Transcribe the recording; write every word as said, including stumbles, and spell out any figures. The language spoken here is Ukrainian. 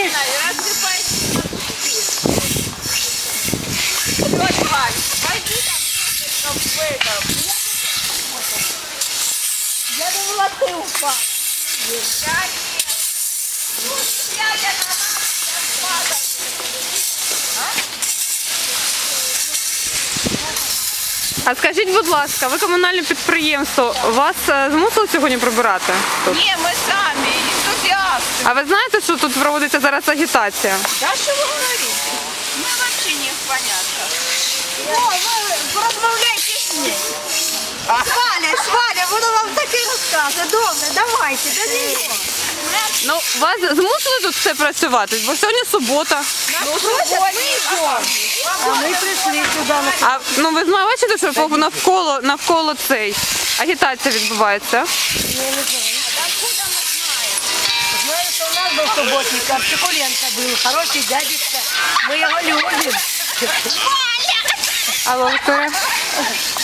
Конечно. Я думала, ты упал. А скажіть, будь ласка, ви комунальне підприємство, вас е, змусили сьогодні прибирати тут? Не, мы сами, энтузиасты. А ви знаєте, що тут проводиться зараз агітація? Да что вы говорите? Мы вообще не в понятках. О, ви порозмовляйте з ним. Сваля, Сваля, воно вам таке розкаже. Добре, давайте, до нього. Ну, вас змусили тут все працювати, бо сьогодні субота. Ну, просять, ми йдемо. А ми прийшли сюди. А ну ви знаєте, бачите, що по- навколо навколо цей агітація відбувається? Знаю, що у нас був суботник, а Псикуленко був, хороший дядечка. Ми його любимо. Алло, Вікторія.